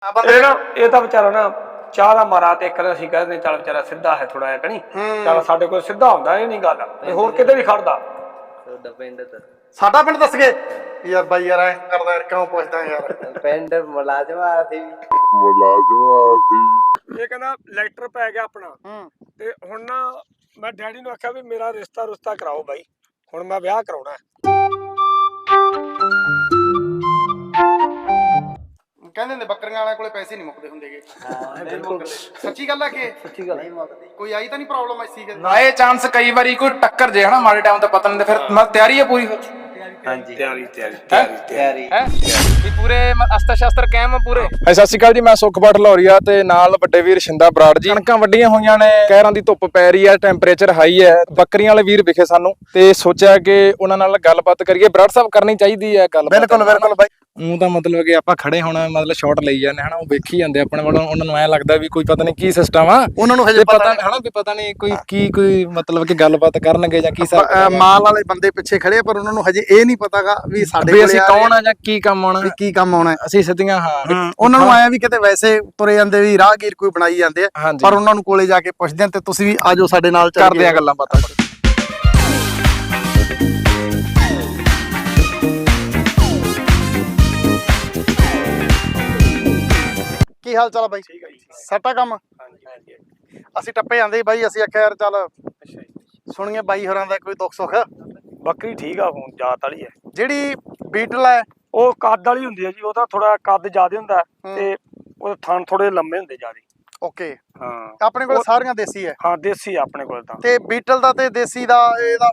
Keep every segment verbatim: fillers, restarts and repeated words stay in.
ਇਹ ਨਾ ਇਹ ਤਾਂ ਵਿਚਾਰਾ ਨਾ ਚਾਹ ਦਾ ਮਾਰਾ ਤੇ ਇੱਕ ਅਸੀਂ ਕਹਿੰਦੇ ਚੱਲ ਵਿਚਾਰਾ ਸਿੱਧਾ ਹੈ ਥੋੜਾ ਜਿਹਾ ਕਣੀ ਚੱਲ ਸਾਡੇ ਕੋਲ ਸਿੱਧਾ ਹੁੰਦਾ ਇਹ ਨਹੀਂ ਗੱਲ ਹੋਰ ਕਿਤੇ ਵੀ ਖੜਦਾ ਤੁਹਾਡਾ ਪਿੰਡ ਤਾਂ ਸਾਡਾ ਪਿੰਡ ਦੱਸ ਗਏ ਯਾਰ ਬਾਈ ਯਾਰ ਐ ਕਰਦਾ ਯਾਰ ਕਿਉਂ ਪੁੱਛਦਾ ਯਾਰ ਪਿੰਡ ਮੁਲਾਜ਼ਮਾਂ ਸੀ ਮੁਲਾਜ਼ਮਾਂ ਸੀ ਇਹ ਕਹਿੰਦਾ ਲੈਟਰ ਪੈ ਗਿਆ ਆਪਣਾ ਤੇ ਹੁਣ ਨਾ ਮੈਂ ਡੈਡੀ ਨੂੰ ਆਖਿਆ ਵੀ ਮੇਰਾ ਰਿਸ਼ਤਾ ਰੁਸ਼ਤਾ ਕਰਾਓ ਬਾਈ ਹੁਣ ਮੈਂ ਵਿਆਹ ਕਰਾਉਣਾ ਕਹਿੰਦੇ ਨੇ ਬੱਕਰੀਆਂ ਵਾਲਿਆਂ ਕੋਲੇ ਪੈਸੇ ਨਹੀਂ ਮੁੱਕਦੇ ਹੁੰਦੇਗੇ ਸੱਚੀ ਗੱਲ ਹੈ ਕਿ ਸੱਚੀ ਗੱਲ ਨਹੀਂ ਮੁੱਕਦੀ ਕੋਈ ਆਈ ਤਾਂ ਨਹੀਂ ਪ੍ਰੋਬਲਮ ਐਸੀ ਕਿ ਬਾਏ ਚਾਂਸ ਕਈ ਵਾਰੀ ਕੋਈ ਟੱਕਰ ਜੇ ਹਨਾ ਮਾੜੇ ਟਾਈਮ ਤੇ ਪਤਾ ਨਹੀਂ ਫਿਰ ਮੈਂ ਤਿਆਰੀ ਹੈ ਪੂਰੀ ਫਿਰ ਹਾਂਜੀ ਤਿਆਰੀ ਤਿਆਰੀ ਤਿਆਰੀ ਤਿਆਰੀ ਹੈ ਵੀ ਪੂਰੇ ਅਸਤਰ ਸ਼ਸਤਰ ਕਾਇਮ ਪੂਰੇ ਸਤਿ ਸ਼੍ਰੀ ਅਕਾਲ ਜੀ, ਮੈਂ ਸੁਖਪਾਠ ਲੌਰੀਆ ਤੇ ਨਾਲ ਵੱਡੇ ਵੀਰ ਸ਼ਿੰਦਾ ਬਰਾੜ ਜੀ। ਕਣਕਾਂ ਵੱਡੀਆਂ ਹੋਈਆਂ ਨੇ, ਕਹਿਰਾਂ ਦੀ ਧੁੱਪ ਪੈ ਰਹੀ ਹੈ, ਟੈਂਪਰੇਚਰ ਹਾਈ ਹੈ। ਬੱਕਰੀਆਂ ਵਾਲੇ ਵੀਰ ਵਿਖੇ ਸਾਨੂੰ ਤੇ ਸੋਚਿਆ ਕਿ ਉਹਨਾਂ ਨਾਲ ਗੱਲਬਾਤ ਕਰੀਏ। ਬਰਾੜ ਸਾਹਿਬ ਕਰਨੀ ਚਾਹੀਦੀ ਹੈ ਗੱਲ ਬਿਲਕੁਲ ਬਿਲਕੁਲ ਬਾਈ ਉਹ ਤਾਂ ਮਤਲਬ ਕਿ ਆਪਾਂ ਖੜੇ ਹੋਣਾ ਮਤਲਬ ਸ਼ਾਟ ਲਈ ਜਾਂਦੇ ਹਨਾ, ਉਹ ਵੇਖੀ ਜਾਂਦੇ ਆਪਣੇ ਵੱਲੋਂ। ਉਹਨਾਂ ਨੂੰ ਐ ਲੱਗਦਾ ਵੀ ਕੋਈ ਪਤਾ ਨਹੀਂ ਕੀ ਸਿਸਟਮ ਆ, ਉਹਨਾਂ ਨੂੰ ਹਜੇ ਤੇ ਪਤਾ ਪਤਾ ਹਨਾ ਵੀ ਪਤਾ ਨਹੀਂ ਕੋਈ ਕੀ ਕੋਈ ਮਤਲਬ ਕਿ ਗੱਲਬਾਤ ਕਰਨਗੇ ਜਾਂ ਕੀ ਹਿਸਾਬ ਮਾਲ ਵਾਲੇ ਬੰਦੇ ਪਿੱਛੇ ਖੜੇ ਆ, ਪਰ ਉਹਨਾਂ ਨੂੰ ਹਜੇ ਇਹ ਨਹੀਂ ਪਤਾਗਾ ਵੀ ਸਾਡੇ ਵੀ ਅਸੀਂ ਕੌਣ ਆ ਜਾਂ ਕੀ ਕੰਮ ਆਉਣਾ, ਵੀ ਕੀ ਕੰਮ ਆਉਣਾ। ਅਸੀਂ ਸਿੱਧੀਆਂ ਹਾਂ ਉਹਨਾਂ ਨੂੰ ਆਇਆ ਵੀ ਕਿਤੇ ਵੈਸੇ ਤੁਰੇ ਜਾਂਦੇ ਵੀ ਰਾਹਗੀਰ ਕੋਈ ਬਣਾਈ ਜਾਂਦੇ ਆ, ਹਾਂਜੀ। ਪਰ ਉਹਨਾਂ ਨੂੰ ਕੋਲੇ ਜਾ ਕੇ ਪੁੱਛਦੇ ਆ ਤੇ ਤੁਸੀਂ ਵੀ ਆਜੋ ਸਾਡੇ ਨਾਲ ਚੱਲ ਕਰਦੇ ਆ ਗੱਲਾਂ ਬਾਤਾਂ। ਕੀ ਹਾਲ ਚਾਲ ਆ ਬਾਈ? ਠੀਕ ਹੈ ਜੀ ਸੱਟਾ ਕੰਮ ਹਾਂਜੀ ਹਾਂਜੀ ਅਸੀਂ ਟੱਪੇ ਜਾਂਦੇ ਸੀ ਬਾਈ, ਅਸੀਂ ਆਖਿਆ ਯਾਰ ਚੱਲ ਅੱਛਾ ਜੀ ਸੁਣੀਏ ਬਾਈ ਹੋਰਾਂ ਦਾ ਕੋਈ ਦੁੱਖ ਸੁੱਖ। ਬੱਕਰੀ ਠੀਕ ਆ ਹੁਣ ਜਾਤ ਵਾਲੀ ਹੈ ਜਿਹੜੀ ਬੀਟਲ ਹੈ ਉਹ ਕੱਦ ਵਾਲੀ ਹੁੰਦੀ ਹੈ ਜੀ ਉਹਦਾ ਥੋੜਾ ਕੱਦ ਜ਼ਿਆਦਾ ਹੁੰਦਾ ਤੇ ਉਹਦੇ ਥਣ ਥੋੜੇ ਲੰਮੇ ਹੁੰਦੇ ਜ਼ਿਆਦਾ ਓਕੇ, ਹਾਂ ਆਪਣੇ ਕੋਲ ਸਾਰੀਆਂ ਦੇਸੀ ਹੈ ਹਾਂ ਦੇਸੀ ਆ ਆਪਣੇ ਕੋਲ ਤਾਂ ਤੇ ਬੀਟਲ ਦਾ ਤੇ ਦੇਸੀ ਦਾ ਇਹਦਾ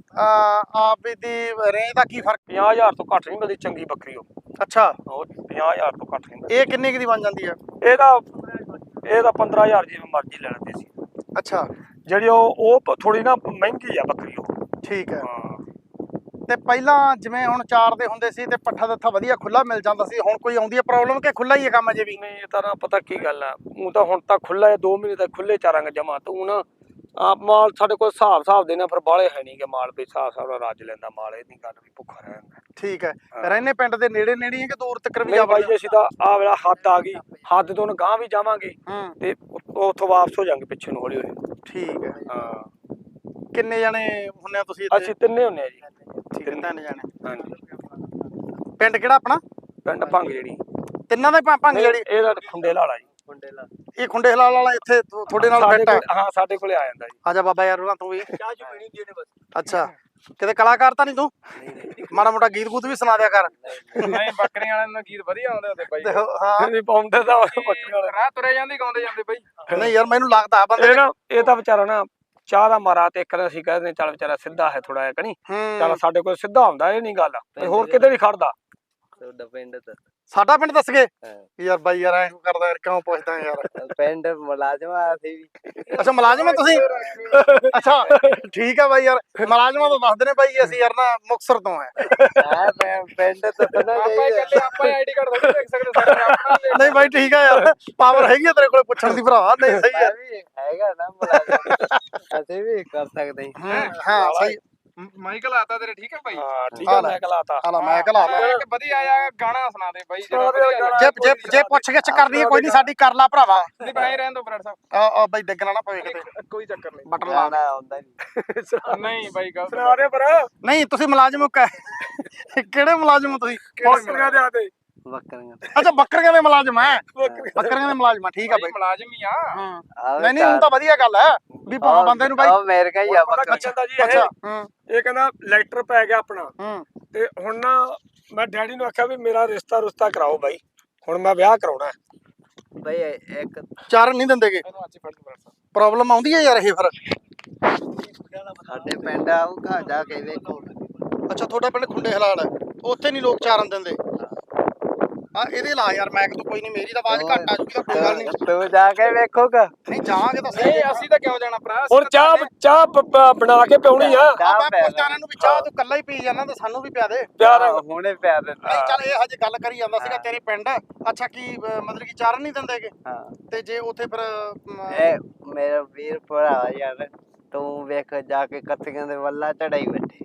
ਆਪ ਦੀ ਰੇਂਜ ਦਾ ਕੀ ਫਰਕ? ਪੰਜਾਹ ਹਜ਼ਾਰ ਤੋਂ ਘੱਟ ਨਹੀਂ ਮਿਲਦੀ ਚੰਗੀ ਬੱਕਰੀ ਉਹ ਅੱਛਾ, ਉਹ ਪੰਜਾਹ ਹਜ਼ਾਰ ਤੋਂ ਘੱਟ ਨਹੀਂ ਮਿਲਦੀ ਇਹ ਕਿੰਨੇ ਕੁ ਦੀ ਬਣ ਜਾਂਦੀ ਹੈ? ਇਹਦਾ ਇਹਦਾ ਪੰਦਰਾਂ ਹਜ਼ਾਰ ਜਿਵੇਂ ਮਰਜ਼ੀ ਲੈ ਲੈਂਦੇ ਸੀ ਅੱਛਾ ਜਿਹੜੀ ਉਹ ਉਹ ਥੋੜੀ ਨਾ ਮਹਿੰਗੀ ਆ ਬੱਕਰੀ ਉਹ ਠੀਕ ਹੈ। ਹਾਂ ਤੇ ਪਹਿਲਾਂ ਜਿਵੇਂ ਹੁਣ ਚਾਰ ਦੇ ਹੁੰਦੇ ਸੀ ਤੇ ਪੱਠਾ ਦੱਥਾ ਵਧੀਆ ਖੁੱਲਾ ਮਿਲ ਜਾਂਦਾ ਸੀ, ਹੁਣ ਕੋਈ ਆਉਂਦੀ ਹੈ ਪ੍ਰੋਬਲਮ ਕਿ ਖੁੱਲਾ ਹੀ ਹੈ ਕੰਮ ਅਜੇ ਵੀ? ਨਹੀਂ ਇਹ ਤਾਂ ਨਾ ਪਤਾ ਕੀ ਗੱਲ ਆ ਉਹ ਤਾਂ ਹੁਣ ਤਾਂ ਖੁੱਲਾ ਹੈ ਦੋ ਮਹੀਨੇ ਤੱਕ ਖੁੱਲੇ ਚਾਰਾਂਗੇ ਜਮਾ ਤੂੰ ਨਾ ਆਪ ਮਾਲ ਸਾਡੇ ਕੋਲ ਹਿਸਾਬ ਹਿਸਾਬ ਦੇ ਨਾ ਫਿਰ ਬਾਲੇ ਹੈ ਨਹੀਂ ਕਿ ਮਾਲ ਵੀ ਹਿਸਾਬ ਹਿਸਾਬ ਨਾਲ ਰੱਜ ਲੈਂਦਾ ਮਾਲ, ਇਹ ਨਹੀਂ ਗੱਲ ਵੀ ਭੁੱਖਾ ਰਹਿ ਜਾਂਦਾ। ਠੀਕ ਹੈ। ਰਹਿਨੇ ਪਿੰਡ ਦੇ ਨੇੜੇ ਨੇੜੇ ਹੈ ਕਿ ਦੂਰ ਤੱਕ ਵੀ ਨਹੀਂ ਜਾ ਬਾਈ ਅਸੀਂ ਤਾਂ ਆ ਵੇਲਾ ਹੱਦ ਆ ਗਈ, ਹੱਦ ਤੋਂ ਗਾਂ ਵੀ ਜਾਵਾਂਗੇ ਹੂੰ ਤੇ ਉੱਥੋਂ ਵਾਪਸ ਹੋ ਜਾਾਂਗੇ ਪਿੱਛੇ ਨੂੰ ਹੌਲੀ ਹੌਲੀ। ਠੀਕ ਹੈ। ਹਾਂ ਕਿੰਨੇ ਜਣੇ ਹੁੰਨੇ ਆ ਤੁਸੀਂ ਇੱਥੇ? ਅਸੀਂ ਤਿੰਨੇ ਹੁੰਨੇ ਆ ਜੀ। ਠੀਕ ਹੈ, ਤਿੰਨ ਜਣੇ। ਹਾਂਜੀ ਪਿੰਡ ਕਿਹੜਾ ਆਪਣਾ? ਪਿੰਡ ਭੰਗ ਜਿਹੜੀ ਤਿੰਨਾਂ ਦਾ ਹੀ ਭੰਗ ਜਿਹੜੀ? ਇਹਦਾ ਖੁੰਡੇ ਲਾਲਾ ਜੀ। ਮੁੰਡੇ ਲਾ ਇਹ ਖੁੰਡੇ ਹਲਾਲ ਵਾਲਾ ਇੱਥੇ ਤੁ- ਤੁਹਾਡੇ ਨਾਲ ਸਾਡੇ ਫਿੱਟ ਹੈ? ਕੋਲ- ਹਾਂ ਸਾਡੇ ਕੋਲੇ ਆ ਜਾਂਦਾ ਜੀ। ਆਜਾ ਬਾਬਾ ਯਾਰ ਉਹਨਾਂ ਤੂੰ ਵੀ। ਚਾਹ ਚੁ ਪੀਣੀ ਹੁੰਦੀ ਬਸ। ਅੱਛਾ, ਕਿਤੇ ਕਲਾਕਾਰ ਤਾਂ ਨਹੀਂ ਤੂੰ? ਮਾੜਾ ਮੋਟਾ ਗੀਤ ਗੂਤ ਵੀ ਸੁਣਾ ਦਿਆ ਕਰ। ਨਹੀਂ ਬੱਕਰੀਆਂ ਵਾਲਿਆਂ ਨੂੰ ਗੀਤ ਵਧੀਆ ਆਉਂਦੇ ਹੁੰਦੇ ਬਾਈ, ਤੇ ਉਹ- ਹਾਂ ਨਹੀਂ ਪਾਉਂਦੇ ਤਾਂ ਬੱਕਰੀਆਂ ਵਾਲੇ ਰਾਹ ਤੁਰੇ ਜਾਂਦੇ ਗਾਉਂਦੇ ਜਾਂਦੇ ਬਾਈ। ਨਹੀਂ ਯਾਰ ਮੈਨੂੰ ਲੱਗਦਾ ਬੰਦੇ ਇਹ ਨਾ ਇਹ ਤਾਂ ਵਿਚਾਰਾ ਨਾ ਚਾਹ ਦਾ ਮਾਰਾ ਤੇ ਇੱਕ ਅਸੀਂ ਕਹਿੰਦੇ ਚੱਲ ਵਿਚਾਰਾ ਸਿੱਧਾ ਹੈ ਥੋੜਾ ਜਿਹਾ ਕਣੀ ਚੱਲ ਹੂੰ ਸਾਡੇ ਕੋਲ ਸਿੱਧਾ ਹੁੰਦਾ ਇਹ ਨਹੀਂ ਗੱਲ ਹੋਰ ਕਿਤੇ ਵੀ ਖੜਦਾ ਤੁਹਾਡਾ ਪਿੰਡ ਤਾਂ ਸਾਡਾ ਪਿੰਡ ਦੱਸ ਗਏ ਹਾਂ। ਯਾਰ ਬਾਈ ਯਾਰ ਐਂ ਕਰਦਾ ਯਾਰ ਕਿਉਂ ਪੁੱਛਦਾ ਯਾਰ? ਪਿੰਡ ਮੁਲਾਜ਼ਮਾਂ ਸੀ ਅੱਛਾ ਮੁਲਾਜ਼ਮ ਆ ਤੁਸੀਂ? ਅੱਛਾ ਠੀਕ ਆ ਬਾਈ ਯਾਰ, ਮੁਲਾਜ਼ਮਾਂ ਤੋਂ ਦੱਸਦੇ ਨੇ ਬਾਈ ਅਸੀਂ ਯਾਰ ਨਾ ਮੁਕਤਸਰ ਤੋਂ ਆ। ਹਾਂ ਪਿੰਡ ਤਾਂ ਪਤਾ ਆਪਾਂ ਚਾਹੀਦਾ ਇਕੱਲੇ ਆਪਾਂ ਆਈਡੀ ਕਾਰਡ ਥੋੜੀ ਦੇਖ ਸਕਦੇ ਸਾਡੇ ਆਪਣਾ ਵੀ। ਨਹੀਂ ਬਾਈ ਠੀਕ ਆ ਯਾਰ, ਪਾਵਰ ਹੈਗੀ ਆ ਤੇਰੇ ਕੋਲ ਪੁੱਛਣ ਦੀ ਭਰਾ। ਨਹੀਂ ਸਹੀ ਮੈਂ ਆ। ਵੀ ਹੈਗਾ ਨਾ ਮੁਲਾਜ਼ਮ, ਅਸੀਂ ਵੀ ਕਰ ਸਕਦੇ ਹਾਂ। ਹਾਂ ਸਹੀ। ਮਾਈਕਲ ਆਤਾ ਤੇਰੇ ਠੀਕ ਹੈ ਬਾਈ? ਹਾਂ ਠੀਕ ਹੈ ਮੈਂ ਕਲਾਤਾ ਹਾਲਾ ਮੈਂ ਕਲਾ ਲਾ। ਇੱਕ ਵਧੀਆ ਆਇਆ ਗਾਣਾ ਸੁਣਾ ਦੇ ਬਾਈ ਸੁਣਾ ਦੇ ਗਾਣਾ। ਜੇ ਜੇ ਜੇ ਪੁੱਛ ਗਿੱਛ ਕਰਨੀ ਹੈ ਕੋਈ ਨਹੀਂ ਸਾਡੀ ਕਰ ਲਾ ਭਰਾਵਾ। ਨਹੀਂ ਬਾਈ ਰਹਿਣ ਦੋ ਬਰੜ ਸਾਹਿਬ, ਆ ਆ ਬਾਈ ਡਿੱਗਣਾ ਨਾ ਪਵੇ ਕਿਤੇ, ਕੋਈ ਚੱਕਰ ਨਹੀਂ। ਬਟਨ ਲਾ। ਗਾਣਾ ਆਉਂਦਾ ਨਹੀਂ। ਨਹੀਂ ਬਾਈ ਗਲਤ ਸੁਣਾ ਦੇ ਪਰ ਨਹੀਂ ਤੁਸੀਂ ਮੁਲਾਜ਼ਮ ਕ- ਕਿਹੜੇ ਮੁਲਾਜ਼ਮ ਹੋ ਤੁਸੀਂ? ਬੱਕਰੀਆਂ ਦੇ ਆਤੇ ਬੱਕਰੀਆਂ ਅੱਛਾ ਬੱਕਰੀਆਂ ਦੇ ਮੁਲਾਜ਼ਮ ਹੈ? ਬੱਕਰੀਆਂ ਦੇ ਮੁਲਾਜ਼ਮ ਆ, ਠੀਕ ਆ ਬਾਈ ਬਾਈ। ਮੁਲਾਜ਼ਮ ਹੀ ਆ। ਹਾਂ ਆਹ ਨਹੀਂ ਨਹੀਂ ਹੁਣ ਤਾਂ ਵਧੀਆ ਗੱਲ ਹੈ ਵੀ ਭਾਵੇਂ ਬੰਦੇ ਨੂੰ ਬਾਈ। ਉਹ ਮੇਰੇ ਕਾ ਹੀ ਆ ਪਤਾ ਬੱਕਰੀ। ਕੀ ਕਹਿੰਦਾ ਜੀ ਅੱਛਾ ਇਹ ਹੂੰ ਇਹ ਕਹਿੰਦਾ ਲੈਟਰ ਪੈ ਗਿਆ ਆਪਣਾ ਹੂੰ ਤੇ ਹੁਣ ਨਾ ਮੈਂ ਡੈਡੀ ਨੂੰ ਆਖਿਆ ਵੀ ਮੇਰਾ ਰਿਸ਼ਤਾ ਰੁਸ਼ਤਾ ਕਰਾਓ ਬਾਈ ਹੁਣ ਮੈਂ ਵਿਆਹ ਕਰਾਉਣਾ ਬਈ ਇੱਕ ਚਾਰਨ ਨਹੀਂ ਦਿੰਦੇਗੇ? ਇਹਨੂੰ ਅੱਜ ਫੜ ਕੇ ਬਰੜ ਸਾਹਿਬ। ਪ੍ਰੋਬਲਮ ਆਉਂਦੀ ਹੈ ਯਾਰ ਇਹ ਫਿਰ? ਸਾਡੇ ਪਿੰਡ ਆਊਗਾ ਜਾ ਕੇ ਵੇਖੋ। ਅੱਛਾ ਤੁਹਾਡਾ ਪਿੰਡ ਖੁੰਡੇ ਹਲਾਲ ਹੈ, ਉੱਥੇ ਨਹੀਂ ਲੋਕ ਚਾਰਨ ਦਿੰਦੇ? ਹਾਂ ਇਹਦੇ ਲਾ ਯਾਰ ਮੈਂ ਕੋਈ ਨਹੀਂ, ਮੇਰੀ ਤਾਂ ਆਵਾਜ਼ ਘੱਟ ਆ ਜੂਗੀ ਤਾਂ ਕੋਈ ਗੱਲ ਨਹੀਂ। ਤੂੰ ਜਾ ਕੇ ਵੇਖੋਗਾ। ਨਹੀਂ ਜਾਵਾਂਗੇ ਤਾਂ ਸਹੀ। ਨਹੀਂ ਅਸੀਂ ਤਾਂ ਕਿਉਂ ਜਾਣਾ ਭਰਾ? ਅਸੀਂ ਹੁਣ ਤਾਂ ਚਾਹ ਤੁਹਾਡੇ- ਚਾਹ ਬ- ਬ- ਬਣਾ ਕੇ ਪਿਉਣੀ ਆ ਚਾਹ ਮੈਂ ਪਿਆ ਦੇ। ਪੁੱਛਾਂ ਨੂੰ ਵੀ ਚਾਹ ਤੂੰ ਕੱਲਾ ਹੀ ਪੀ ਜਾਣਾ ਤਾਂ ਸਾਨੂੰ ਵੀ ਪਿਆ ਦੇ। ਪਿਆਰ ਹਾਂ, ਹੁਣੇ ਪਿਆ ਦੇ। ਨਹੀਂ ਚੱਲ ਇਹ ਹਜੇ ਗੱਲ ਕਰੀ ਜਾਂਦਾ ਸੀਗਾ ਤੇਰੇ ਪਿੰਡ। ਅੱਛਾ ਕੀ ਅਹ, ਮਤਲਬ ਕਿ ਚਾਰਨ ਨਹੀਂ ਦਿੰਦੇਗੇ? ਹਾਂ ਤੇ ਜੇ ਉੱਥੇ ਫਿਰ ਅਮ, ਇਹ ਮੇਰਾ ਵੀਰ ਭਰਾ ਯਾਰ, ਤੂੰ ਵੇਖ ਜਾ ਕੇ ਕੱਤੀਆਂ ਦੇ ਵੱਲਾ ਚੜਾਈ ਬੈਠੇ।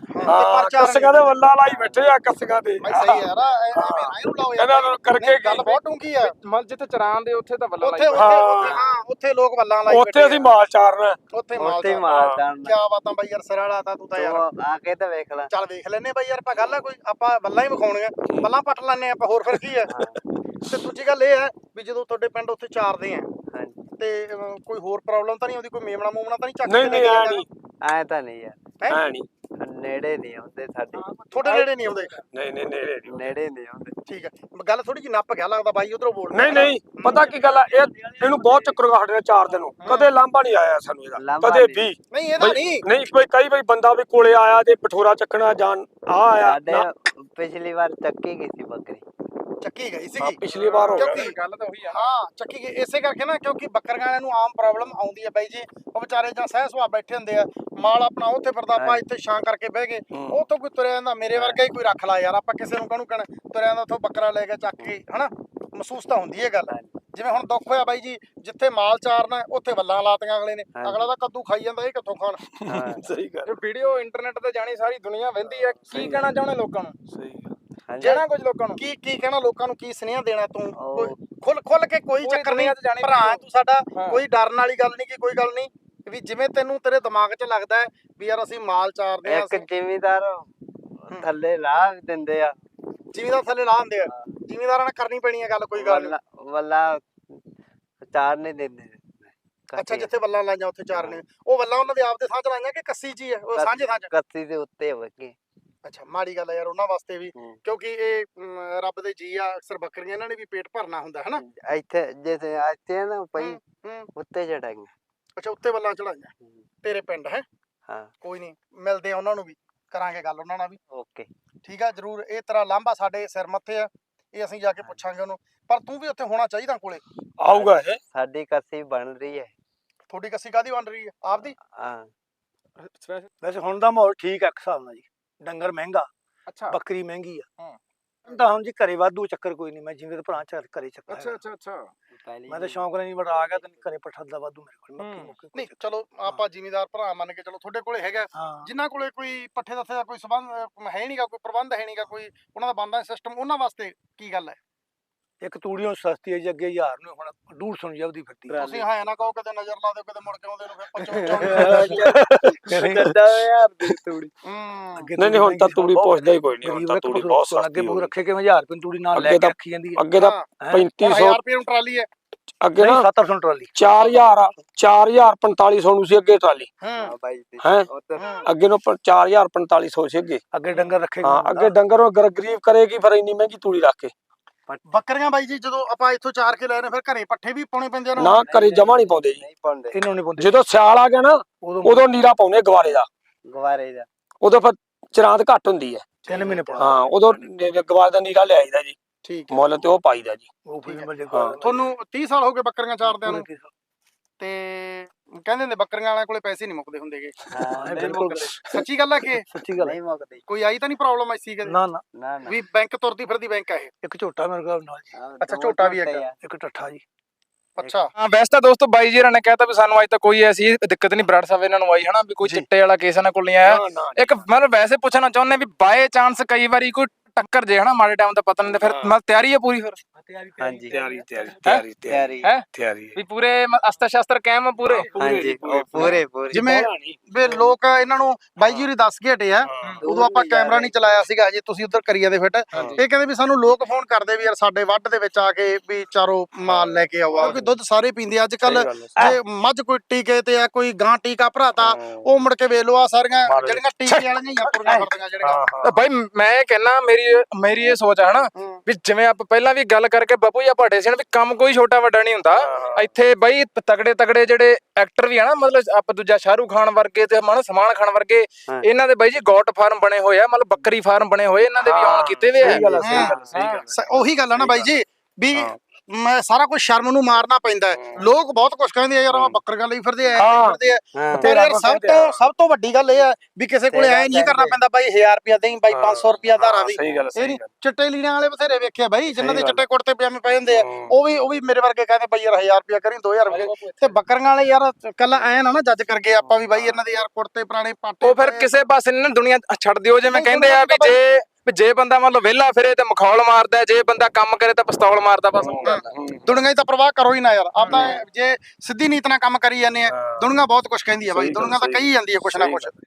ਹਾਂ ਕੱਸੀਆਂ ਦੇ ਵੱਲਾ ਲਾਈ ਬੈਠੇ ਆ ਕੱਸੀਆਂ ਦੇ ਬਾਈ ਸਹੀ ਯਾਰ ਐਵੇਂ ਐਨੂੰ ਲਾਓ ਯਾਰ ਇਹਨਾਂ ਨੂੰ ਕਰਕੇ ਗੱਲ ਬਹੁਤ ਡੂੰਗੀ ਆ ਮਲ ਜਿੱਥੇ ਚਰਾਨ ਦੇ ਉੱਥੇ ਤਾਂ ਵੱਲਾ ਉੱਥੇ ਉੱਥੇ ਉੱਥੇ ਹਾਂ ਉੱਥੇ ਲੋਕ ਵੱਲਾਂ ਲਾਈ ਉੱਥੇ ਅਸੀਂ ਮਾਲ ਚਾਰਨਾ ਉੱਥੇ ਉੱਥੇ ਮਾਲ ਮਾਰਦਾ ਕੀ ਬਾਤਾਂ ਬਾਈ ਯਾਰ ਸਿਰਾ ਲਾਤਾ ਤੂੰ ਤਾਂ ਯਾਰ ਆ ਕੇ ਤਾਂ ਵੇਖ ਲੈ ਚੱਲ ਵੇਖ ਲੈਨੇ ਬਾਈ ਯਾਰ ਆਪਾਂ ਗੱਲ ਆ ਕੋਈ ਆਪਾਂ ਵੱਲਾਂ ਹੀ ਵਿਖਾਉਣੀਆਂ ਵੱਲਾਂ ਪੱਟ ਲੈਣੇ ਆਪਾਂ ਹੋਰ ਫਿਰ ਕੀ ਆ ਤੇ ਦੂਜੀ ਗੱਲ ਇਹ ਹੈ ਵੀ ਜਦੋਂ ਤੁਹਾਡੇ ਪਿੰਡ ਉੱਥੇ ਚਾਰਦੇ ਆ ਹਾਂਜੀ ਤੇ ਅਹ, ਕੋਈ ਹੋਰ ਪ੍ਰੋਬਲਮ ਤਾਂ ਨਹੀਂ ਆਉਂਦੀ ਕੋਈ ਮੇਮਣਾ ਮੂਮਣਾ ਤਾਂ ਨਹੀਂ ਚੱਕ ਨਹੀਂ ਨਹੀਂ ਐ ਨਹੀਂ ਐ ਤਾਂ ਨਹੀਂ ਯਾਰ ਐ ਨਹੀਂ ਨੇੜੇ ਨਹੀਂ ਆਉਂਦੇ ਸਾਡੇ ਤੁਹਾਡੇ ਨੇੜੇ ਨਹੀਂ ਆਉਂਦੇ ਨਹੀਂ ਨਹੀਂ ਨੇੜੇ ਨਹੀਂ ਨੇੜੇ ਨਹੀਂ ਆਉਂਦੇ ਠੀਕ ਹੈ ਗੱਲ ਥੋੜੀ ਜਿਹੀ ਨੱਪ ਗਿਆ ਲੱਗਦਾ ਬਾਈ ਉਧਰੋਂ ਬੋਲ ਨਹੀਂ ਨਹੀਂ ਪਤਾ ਕੀ ਗੱਲ ਆ ਇਹ ਇਹਨੂੰ ਬਹੁਤ ਚੱਕਰ ਹੋ ਸਾਡੇ ਨਾਲ ਚਾਰ ਦਿਨ ਨੂੰ ਕਦੇ ਲਾਂਭਾ ਨਹੀਂ ਆਇਆ ਸਾਨੂੰ ਇਹਦਾ ਲਾਂਭਾ ਕਦੇ ਨਹੀਂ। ਵੀ ਨਹੀਂ ਇਹਦਾ ਨਹੀਂ ਨਹੀਂ ਕੋਈ ਕਈ ਵਾਰੀ ਬੰਦਾ ਵੀ ਕੋਲੇ ਆਇਆ ਤੇ ਪਠੋਰਾ ਚੱਕਣਾ ਜਾਣ ਆ ਆਇਆ ਸਾਡੇ ਨਾ, ਪਿਛਲੀ ਵਾਰ ਚੱਕੀ ਗਈ ਸੀ ਬੱਕਰੀ ਚੱਕੀ ਗਈ ਹਾਂ, ਸੀਗੀ ਪਿਛਲੀ ਵਾਰ ਹੋ ਗਿਆ ਕਿਉਂਕਿ ਗੱਲ ਤਾਂ ਉਹੀ ਆ ਹਾਂ ਚੱਕੀ ਗਈ ਇਸੇ ਕਰਕੇ ਨਾ ਕਿਉਂਕਿ ਬੱਕਰੀਆਂ ਵਾਲਿਆਂ ਨੂੰ ਆਮ ਪ੍ਰੋਬਲਮ ਆਉਂਦੀ ਹੈ ਬਾਈ ਜੀ ਉਹ ਵਿਚਾਰੇ ਜਾਂ ਸਹਿ ਸੁਭਾਅ ਬੈਠੇ ਹੁੰਦੇ ਆ ਮਾਲ ਆਪਣਾ ਉੱਥੇ ਫਿਰਦਾ ਆਪਾਂ ਇੱਥੇ ਛਾਂ ਕਰਕੇ ਬਹਿ ਗਏ ਹੂੰ। ਉਹ ਤੋਂ ਕੋਈ ਤੁਰਿਆ ਜਾਂਦਾ ਮੇਰੇ ਵਰਗਾ ਹੀ ਕੋਈ ਰੱਖ ਲਾ ਯਾਰ ਆਪਾਂ ਕਿਸੇ ਨੂੰ ਕਾਹਨੂੰ ਕਹਿਣਾ ਤੁਰਿਆ ਜਾਂਦਾ ਉੱਥੋਂ ਬੱਕਰਾ ਲੈ ਕੇ ਚੱਕ ਕੇ ਹਨਾ ਮਹਿਸੂਸ ਤਾਂ ਹੁੰਦੀ ਹੈ ਗੱਲ ਜਿਵੇਂ ਹੁਣ ਦੁੱਖ ਹੋਇਆ ਬਾਈ ਜੀ ਜਿੱਥੇ ਮਾਲ ਚਾਰਨਾ ਉੱਥੇ ਵੱਲਾਂ ਲਾਤੀਆਂ ਅਗਲੇ ਨੇ ਹਾਂਜੀ। ਅਗਲਾ ਤਾਂ ਕੱਦੂ ਖਾਈ ਜਾਂਦਾ ਇਹ ਕਿੱਥੋਂ ਖਾਣ ਹਾਂ ਸਹੀ ਗੱਲ ਇਹ ਵੀਡੀਓ ਇੰਟਰਨੈਟ ਤੇ ਜਾਣੀ ਸਾਰੀ ਦੁਨੀਆ ਵਹਿੰਦੀ ਹੈ ਕੀ ਕਹਿਣਾ ਚਾਹੁੰਦੇ ਲੋਕਾਂ ਨੂੰ ਸਹੀ ਗੱਲ ਹਾਂਜੀ ਜਿਹੜਾ ਕੁਝ ਲੋਕਾਂ ਨੂੰ ਕੀ ਕੀ ਕਹਿਣਾ ਲੋਕਾਂ ਨੂੰ ਕੀ ਸੁਨੇਹਾ ਦੇਣਾ ਤੂੰ ਉਹ- ਕੋਈ ਖੁੱਲ ਖੁੱਲ ਕੇ ਕੋਈ ਪੂਰੀ ਚੱਕਰ ਨਹੀਂ ਦੁਨੀਆ 'ਚ ਜਾਣੀ ਭਰਾ video। ਤੂੰ ਸਾਡਾ ਹਾਂ। ਕੋਈ ਡਰਨ ਵਾਲੀ ਗੱਲ ਨਹੀਂ ਕਿ ਕੋਈ ਗੱਲ ਨਹੀਂ ਵੀ ਜਿਵੇਂ ਤੈਨੂੰ ਤੇਰੇ ਦਿਮਾਗ 'ਚ ਲੱਗਦਾ ਹੈ ਵੀ ਯਾਰ ਅਸੀਂ ਮਾਲ ਚਾਰਦੇ ਆ ਇੱਕ ਜ਼ਿਮੀਦਾਰ ਥੱਲੇ ਲਾਹ ਵੀ ਦਿੰਦੇ ਆ ਜ਼ਿਮੀਦਾਰ ਥੱਲੇ ਲਾ ਦਿੰਦੇ ਆ ਜ਼ਿਮੀਦਾਰਾਂ ਨਾਲ ਕਰਨੀ ਪੈਣੀ ਹੈ ਗੱਲ ਕੋਈ ਗੱਲ ਨਹੀਂ ਵੱਲਾ ਵੱਲਾ ਚਾਰ ਨਹੀਂ ਦਿੰਦੇ ਅੱਛਾ ਜਿੱਥੇ ਵੱਲਾਂ ਲਾਈਆਂ ਉੱਥੇ ਚਾਰਨੇ ਉਹ ਵੱਲਾਂ ਉਹਨਾਂ ਦੇ ਆਪਦੇ ਸਾਂਝ ਲਾਈਆਂ ਕਿ ਕੱਸੀ 'ਚ ਹੀ ਹੈ ਉਹ ਕੱਸ- ਸਾਂਝੇ ਸਾਂਝ ਕੱਸੀ ਦੇ ਉੱਤੇ ਹੋਵੇ ਅੱਛਾ ਮਾੜੀ ਗੱਲ ਹੈ ਯਾਰ ਉਹਨਾਂ ਵਾਸਤੇ ਵੀ ਹੂੰ। ਕਿਉਂਕਿ ਇਹ ਅਮ, ਰੱਬ ਦੇ ਜੀ ਆ ਅਕਸਰ ਬੱਕਰੀਆਂ ਇਹਨਾਂ ਨੇ ਵੀ ਪੇਟ ਭਰਨਾ ਹੁੰਦਾ ਹੈ ਨਾ ਇੱਥੇ ਜਿੱਥੇ ਇੱਥੇ ਨਾ ਪਈ ਹੂੰ, ਹੂੰ। ਉੱਤੇ ਚੜਾਈਆਂ ਅੱਛਾ ਉੱਤੇ ਵੱਲਾਂ ਚੜਾਈਆਂ ਤੇਰੇ ਪਿੰਡ ਹੈ ਹਾਂ ਕੋਈ ਨਹੀਂ ਮਿਲਦੇ ਆ ਉਹਨਾਂ ਨੂੰ ਵੀ ਕਰਾਂਗੇ ਗੱਲ ਉਹਨਾਂ ਨਾਲ ਵੀ ਓਕੇ ਠੀਕ ਆ ਜਰੂਰ ਇਹ ਤੇਰਾ ਲਾਂਭਾ ਸਾਡੇ ਸਿਰ ਮੱਥੇ ਆ ਇਹ ਅਸੀਂ ਜਾ ਕੇ ਪੁੱਛਾਂਗੇ ਉਹਨੂੰ ਪਰ ਤੂੰ ਵੀ ਉੱਥੇ ਹੋਣਾ ਚਾਹੀਦਾ ਕੋਲੇ ਆਊਗਾ ਇਹ ਸਾਡੀ ਕੱਸੀ ਬਣ ਰਹੀ ਹੈ ਤੁਹਾਡੀ ਕੱਸੀ ਕਾਦੀ ਬਣ ਰਹੀ ਹੈ ਆਪਦੀ ਹਾਂ ਵੈਸੇ ਹੁਣ ਦਾ ਮਾਹੌਲ ਠੀਕ ਹੈ ਇੱਕ ਹਿਸਾਬ ਨਾਲ ਜੀ ਡੰਗਰ ਮਹਿੰਗਾ ਅੱਛਾ ਬੱਕਰੀ ਮਹਿੰਗੀ ਆ ਹਾਂ। ਤਾਂ ਹੁਣ ਜੀ ਘਰੇ ਵਾਧੂ ਚੱਕਰ ਕੋਈ ਨਹੀਂ ਮੈਂ ਜਿਵੇਂ ਤੇ ਭਰਾ ਚਾਰ ਘਰੇ ਚੱਕਰ ਅੱਛਾ ਅੱਛਾ ਅੱਛਾ ਮੈਂ ਤਾਂ ਸ਼ੌਂਕ ਨਾਲ ਨਹੀਂ ਬੜਾ ਆ ਗਿਆ ਤੇ ਘਰੇ ਪੱਠਾ ਦਾ ਵਾਧੂ ਮੇਰੇ ਕੋਲ ਮੱਕੀ ਹੂੰ। ਮੁੱਕੀ ਨਹੀਂ ਚਲੋ ਆਪਾਂ ਜ਼ਿਮੀਦਾਰ ਭਰਾ ਮੰਨ ਕੇ ਚਲੋ ਤੁਹਾਡੇ ਕੋਲੇ ਹੈਗਾ ਹਾਂ ਜਿਨ੍ਹਾਂ ਕੋਲੇ ਕੋਈ ਪੱਠੇ ਦੱਥੇ ਦਾ ਕੋਈ ਸਬੰਧ ਅਹ, ਹੈ ਨਹੀਂਗਾ ਕੋਈ ਪ੍ਰਬੰਧ ਹੈ ਨਹੀਂਗਾ ਕੋਈ ਉਹਨਾਂ ਦਾ ਬੰਦਾ ਸਿਸਟਮ ਉਹਨਾਂ ਵਾਸਤੇ ਕੀ ਗੱਲ ਹੈ ਇੱਕ ਤੂੜੀਓ ਸਸਤੀ ਹੈ ਜੀ ਅੱਗੇ ਹਜ਼ਾਰ ਨੂੰ ਹੁਣ ਡੂਢ ਸੌ ਨੂੰ ਜਬਦੀ ਫਿਰਦੀ ਭਰਾ ਤੁਸੀਂ ਹਾਂ ਨਾ ਕਹੋ ਕਿਤੇ ਨਜ਼ਰ ਲਾ ਦਿਓ ਕਿਤੇ ਮੁੜ ਕੇ ਆਉਂਦੇ ਨੂੰ ਫਿਰ ਪਚਵੰਜਾ ਗੱਦਾ ਯਾਰ ਦੀ ਤੂੜੀ ਹੂੰ ਅੱਗੇ ਨਹੀਂ ਨਹੀਂ ਹੁਣ ਤਾਂ ਤੂੜੀ ਬਹੁਤ ਪੁੱਛਦਾ ਹੀ ਕੋਈ ਨਹੀਂ ਹੁਣ ਗਰੀਬ ਤਾਂ ਇੱਕ ਤੂੜੀ ਪਸ਼ੂ ਬਹੁਤ ਅੱਗੇ ਸਸਤੀ ਹੋ ਪਸ਼ੂ ਗਈ। ਰੱਖੇ ਕਿਵੇਂ ਹਜ਼ਾਰ ਰੁਪਏ ਤੂੜੀ ਨਾਲ ਅੱਗੇ ਲੈ ਕੇ ਤਾਂ- ਰੱਖੀ ਜਾਂਦੀ ਹੈ ਅੱਗੇ ਤਾਂ ਹਾਂ, ਪੈਂਤੀ ਸੌ ਹਜ਼ਾਰ ਰੁਪਏ ਨੂੰ ਟਰਾਲੀ ਹੈ ਅੱਗੇ ਨਹੀਂ ਨਾ ਸੱਤ ਸੌ ਟਰਾਲੀ ਚਾਰ ਹਜ਼ਾਰ ਚਾਰ ਹਜ਼ਾਰ ਪੰਤਾਲੀ ਸੌ ਨੂੰ ਸੀ ਅੱਗੇ ਟਰਾਲੀ ਹੂੰ ਬਾਈ ਦੀ ਹੈਂ? ਉੱਤੇ ਅੱਗੇ ਨੂੰ ਪ- ਚਾਰ ਹਜ਼ਾਰ ਪੰਤਾਲੀ ਸੌ ਸੀ ਅੱਗੇ ਅੱਗੇ ਡੰਗਰ ਰੱਖੇ ਹਾਂ ਅੱਗੇ ਡੰਗਰ ਉਹ ਗਰ- ਗਰੀਬ ਕਰੇਗੀ ਫਿਰ ਇੰਨੀ ਮਹਿੰਗੀ ਤੂੜੀ ਰੱਖ ਕੇ ਬੱਕਰੀਆਂ ਬਾਈ ਜੀ ਜਦੋਂ ਆਪਾਂ ਇੱਥੋਂ ਚਾਰ ਕੇ ਲੈ ਨੇ ਫਿਰ ਘਰੇ ਪੱਠੇ ਵੀ ਪਾਉਣੇ ਪੈਂਦੇ ਉਹਨਾਂ ਨਾ ਨੂੰ ਘਰੇ ਜਮਾ ਨਹੀਂ ਪਾਉਂਦੇ ਜੀ ਨਹੀਂ ਪਾਉਂਦੇ ਇਹਨਾਂ ਨੂੰ ਪਾਉਂਦੇ ਜਦੋਂ ਸਿਆਲ ਆ ਗਿਆ ਨਾ ਉਦੋਂ ਉਦੋਂ ਨੀਰਾ ਪਾਉਨੇ ਗਵਾਰੇ ਦਾ ਗਵਾਰੇ ਦਾ ਉਦੋਂ ਫਿਰ ਚਰਾਂਦ ਘੱਟ ਹੁੰਦੀ ਹੈ ਤਿੰਨ ਮਹੀਨੇ ਪਾਉਂਦੇ ਹਾਂ ਉਦੋਂ ਨੀ- ਗਵਾਰੇ ਦਾ ਨੀਰਾ ਲਿਆਈਦਾ ਜੀ ਠੀਕ ਹੈ ਮੁੱਲ ਤੇ ਉਹ ਪਾਈਦਾ ਜੀ ਉਹ ਫਿਰ ਠੀਕ ਹੈ। ਮਿਲ ਜੇ ਹਾਂ। ਤੁਹਾਨੂੰ ਤੀਹ ਸਾਲ ਹੋ ਗਏ ਬੱਕਰੀਆਂ ਚਾਰਦਿਆਂ ਨੂੰ ਤੇ ਕਹਿੰਦੇ ਨੇ ਬੱਕਰੀਆਂ ਵਾਲਿਆਂ ਕੋਲੇ ਪੈਸੇ ਨਹੀਂ ਮੁੱਕਦੇ ਹੁੰਦੇਗੇ ਹਾਂ ਨਹੀਂ ਬਿਲਕੁਲ ਮੁੱਕਦੇ ਸੱਚੀ ਗੱਲ ਹੈ ਕਿ ਸੱਚੀ ਗੱਲ ਹੈ। ਨਹੀਂ ਮੁੱਕਦੇ ਕੋਈ ਆਈ ਤਾਂ ਨਹੀਂ ਪ੍ਰੋਬਲਮ ਐਸੀ ਕਦੇ ਨਾ ਨਾ ਨਾ ਨਾ ਵੀ ਬੈਂਕ ਤੁਰਦੀ ਫਿਰਦੀ ਬੈਂਕ ਆ ਇਹ ਇੱਕ ਝੋਟਾ ਮੇਰੇ ਕੋਲ ਨਾਲ ਜੀ ਹਾਂ, ਅੱਛਾ, ਦੋ ਝੋਟਾ ਵੀ ਝੋਟੇ ਹੈਗਾ। ਆ। ਇੱਕ ਟੱਠਾ ਜੀ ਅੱਛਾ ਹਾਂ ਵੈਸੇ ਤਾਂ ਦੋਸਤੋ ਬਾਈ ਜੀ ਨੇ ਕਹਿਤਾ ਵੀ ਸਾਨੂੰ ਅੱਜ ਤੱਕ ਕੋਈ ਐਸੀ ਦਿੱਕਤ ਨਹੀਂ ਬਰਾੜ ਸਾਹਿਬ ਇਹਨਾਂ ਨੂੰ ਆਈ ਹਨਾ ਵੀ ਕੋਈ ਜੀ। ਚਿੱਟੇ ਵਾਲਾ ਕੇਸ ਇਹਨਾਂ ਕੋਲ ਨਹੀਂ ਆਇਆ ਨਾ ਨਾ ਇੱਕ ਮਤਲਬ ਵੈਸੇ ਪੁੱਛਣਾ ਚਾਹੁੰਦੇ ਵੀ ਬਾਏ ਚਾਂਸ ਕਈ ਵਾਰੀ ਕੋਈ ਟੱਕਰ ਜੇ ਹਨਾ ਮਾੜੇ ਟਾਈਮ ਤੇ ਪਤਾ ਨਹੀਂ ਤੇ ਫਿਰ ਹਾਂ। ਮਤਲਬ ਤਿਆਰੀ ਹੈ ਪੂਰੀ ਫਿਰ ਹਾਂਜੀ ਤਿਆਰੀ ਤਿਆਰੀ ਤਿਆਰੀ ਤਿਆਰੀ ਹੈ ਤਿਆਰੀ ਵੀ ਪੂਰੇ ਅਸਤਰ ਸ਼ਾਸਤਰ ਕਾਇਮ ਆ ਪੂਰੇ ਹਾਂਜੀ ਉਹ ਪੂਰੇ ਪੂਰੇ ਜਿਵੇਂ ਵੀ ਲੋਕ ਇਹਨਾਂ ਨੂੰ ਬਾਈ ਜੀ ਹੋਰੀ ਦੱਸ ਕੇ ਹਟੇ ਆ ਉਦੋਂ ਆਪਾਂ ਕੈਮਰਾ ਨਹੀਂ ਚਲਾਇਆ ਸੀਗਾ ਹਜੇ ਤੁਸੀਂ ਉਧਰ ਕਰੀ ਜਾਂਦੇ ਫਿੱਟ ਇਹ ਕਹਿੰਦੇ ਵੀ ਸਾਨੂੰ ਲੋਕ ਫੋਨ ਕਰਦੇ ਵੀ ਯਾਰ ਸਾਡੇ ਵੱਢ ਦੇ ਵਿੱਚ ਆ ਕੇ ਵੀ ਚਾਰੋ ਮਾਲ ਲੈ ਕੇ ਆਓ ਕਿਉਂਕਿ ਦੁੱਧ ਸਾਰੇ ਪੀਂਦੇ ਅੱਜ ਕੱਲ ਜੇ ਮੱਝ ਕੋਈ ਟੀਕੇ ਤੇ ਆ ਕੋਈ ਗਾਂ ਟੀਕਾ ਭਰਾਤਾ ਉਹ ਮੁੜ ਕੇ ਵੇਖ ਲਓ ਆ ਸਾਰੀਆਂ ਮਾਰ ਜਿਹੜੀਆਂ ਟੀਕੇ ਵਾਲੀਆਂ ਹੀ ਆ ਤੁਰੀਆਂ ਫਿਰਦੀਆਂ ਜਿਹੜੀਆਂ ਤਾਂ ਬਾਈ ਮੈਂ ਇਹ ਕਹਿਣਾ ਮੇਰੀ ਮੇਰੀ ਇਹ ਸੋਚ ਹੈ ਹਨਾ ਹੂੰ। ਵੀ ਜਿਵੇਂ ਆਪਾਂ ਪਹਿਲਾਂ ਵੀ ਗੱਲ ਕਰਕੇ ਬਾਪੂ ਜੀ ਭਾਟੇ ਸੀ ਨਾ ਵੀ ਕੰਮ ਕੋਈ ਛੋਟਾ ਵੱਡਾ ਨਹੀਂ ਹੁੰਦਾ ਇੱਥੇ ਬਾਈ ਤਗੜੇ ਤਗੜੇ ਜਿਹੜੇ ਐਕਟਰ ਵੀ ਆ ਨਾ ਮਤਲਬ ਆਪਾਂ ਦੂਜਾ ਸ਼ਾਹਰੂਖ ਖਾਨ ਵਰਗੇ ਤੇ ਮਨ ਸਲਮਾਨ ਖਾਨ ਵਰਗੇ ਹਾਂ। ਇਹਨਾਂ ਦੇ ਬਾਈ ਜੀ ਗੋਟ ਫਾਰਮ ਬਣੇ ਹੋਏ ਆ ਮਤਲਬ ਬੱਕਰੀ ਫਾਰਮ ਬਣੇ ਹੋਏ ਇਹਨਾਂ ਦੇ ਵੀ ਆਨ ਕੀਤੇ ਵੇ ਆ ਸਹੀ ਗੱਲ ਆ, ਸਹੀ ਗੱਲ ਆ, ਸਹੀ ਗੱਲ ਆ। ਸ- ਉਹੀ ਗੱਲ ਆ ਨਾ ਬਾਈ ਜੀ ਵੀ ਮੈਂ ਸਾਰਾ ਕੁਝ ਸ਼ਰਮ ਨੂੰ ਮਾਰਨਾ ਪੈਂਦਾ ਹੈ। ਲੋਕ ਬਹੁਤ ਕੁਝ ਕਹਿੰਦੇ ਆ ਯਾਰ ਆ ਬੱਕਰੀਆਂ ਲਈ ਫਿਰਦੇ ਆ ਐਂ ਹਾਂ। ਫਿਰਦੇ ਆ ਹਾਂ। ਪਰ ਯਾਰ ਸਭ ਤੋਂ ਸਭ ਤੋਂ ਵੱਡੀ ਗੱਲ ਇਹ ਹੈ ਵੀ ਕਿਸੇ ਕੋਲੇ ਐ ਨਹੀਂ ਕਰਨਾ ਪੈਂਦਾ ਬਾਈ ਹਜ਼ਾਰ ਰੁਪਿਆ ਦੇਈ ਬਾਈ ਪੰਜ ਸੌ ਰੁਪਿਆ ਧਾਰਾ ਦੀ ਸਹੀ ਗੱਲ ਇਹ ਸਹੀ ਨਹੀਂ ਗੱਲ ਚਿੱਟੇ ਲੀੜਿਆਂ ਵਾਲੇ ਬਥੇਰੇ ਵੇਖਿਆ ਬਾਈ ਜਿਨ੍ਹਾਂ ਦੇ ਸਹੀ ਗੱਲ। ਚਿੱਟੇ ਕੁੜਤੇ ਪਜਾਮੇ ਪਏ ਹੁੰਦੇ ਆ ਹੂੰ। ਉਹ ਵੀ ਉਹ ਵੀ ਮੇਰੇ ਵਰਗੇ ਕਹਿੰਦੇ ਬਾਈ ਯਾਰ ਹਜ਼ਾਰ ਰੁਪਿਆ ਕਰੀ ਦੋ ਹਜ਼ਾਰ ਰੁਪਏ ਤੇ ਬੱਕਰੀਆਂ ਵਾਲੇ ਯਾਰ ਕੱਲਾ ਐ ਨਾ ਨਾ ਜੱਜ ਕਰਕੇ ਆਪਾਂ ਵੀ ਬਾਈ ਇਹਨਾਂ ਦੇ ਯਾਰ ਕੁੜਤੇ ਪੁਰਾਣੇ ਪਾਟੇ ਉਹ ਫਿਰ ਕਿਸੇ ਪਾਸੇ ਨੀ ਨਾ ਦੁਨੀਆ ਛੱਡ ਦਿਓ ਜਿਵੇਂ ਕਹਿੰਦੇ ਆ ਵੀ ਜੇ ਵੀ ਜੇ ਬੰਦਾ ਮੰਨ ਲਓ ਵਿਹਲਾ ਫਿਰੇ ਤੇ ਮਖੌਲ ਮਾਰਦਾ ਜੇ ਬੰਦਾ ਕੰਮ ਕਰੇ ਤਾਂ ਪਿਸਤੌਲ ਮਾਰਦਾ ਬਸ ਉਹ ਗੱਲ ਆ। ਦੁਨੀਆ ਦੀ ਤਾਂ ਪ੍ਰਵਾਹ ਕਰੋ ਹੀ ਨਾ ਯਾਰ ਆਪਦਾ ਜੇ ਸਿੱਧੀ ਨੀਤ ਨਾਲ ਕੰਮ ਕਰੀ ਜਾਂਦੇ ਆ ਦੁਨੀਆ ਬਹੁਤ ਕੁਝ ਕਹਿੰਦੀ ਆ ਬਾਈ ਦੁਨੀਆ ਤਾਂ ਕਹੀ ਜਾਂਦੀ ਆ ਕੁਛ ਨਾ ਕੁਛ